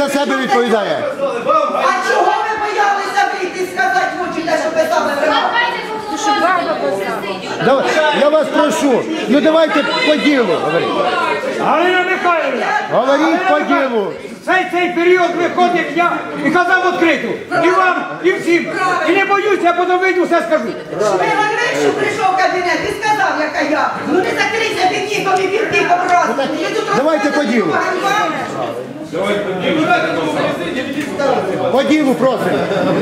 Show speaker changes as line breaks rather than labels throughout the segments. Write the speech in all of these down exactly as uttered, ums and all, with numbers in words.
за себе відповідає.
А чого ви боялися вийти і сказати в очі те, що писали ви?
Давай, я вас прошу, ну давайте по ділу говоріть.
Галина Михайлівна,
Говоріть по ділу.
цей, цей період виходив я і казав відкрито. І вам, і всім. І не боюсь, я потім вийду, все скажу.
Шмигаль Грищук прийшов в кабінет і сказав, яка я. Ну не закрийся під ніком і під тихом разом.
Давайте по ділу. По ділу просимо.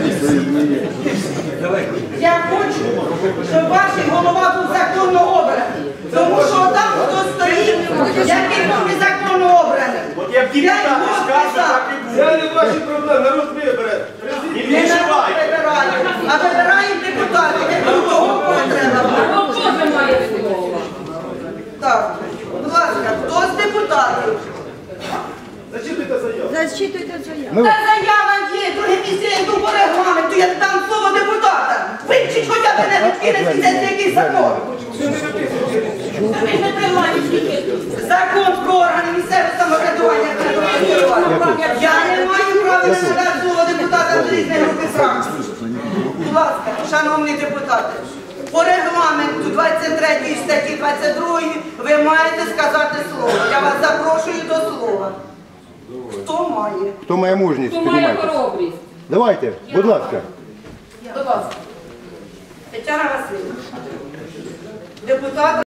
Я хочу, щоб ваш голова був законно обраний. Тому що там хто стоїть, який був незаконно обраний.
От як депутати скажуть, так і буде. Це не ваші проблеми, народ вибере. І
Не народ
відчувайте.
вибирає, а вибирають депутати, якому того треба. Так, будь ласка, хто з депутатів?
Зачитуйте заяву.
Зачитуйте заяву.
Ми-
Та заява є, друге місце, я йду по регламенту, я дам слово депутата. Вивчіть хоча б не відкинеться це якийсь закон. Закон про органи місцевого самоврядування. Я не маю права не надати слово депутата з різної групи фракцій. Будь ласка, шановні депутати, по регламенту двадцять третьої статті двадцять другої ви маєте сказати слово. Я вас запрошую до слова. Хто має?
Хто має мужність, піднімайте. Давайте, будь ласка.
Будь ласка. Тетяна Васильівна. Депутат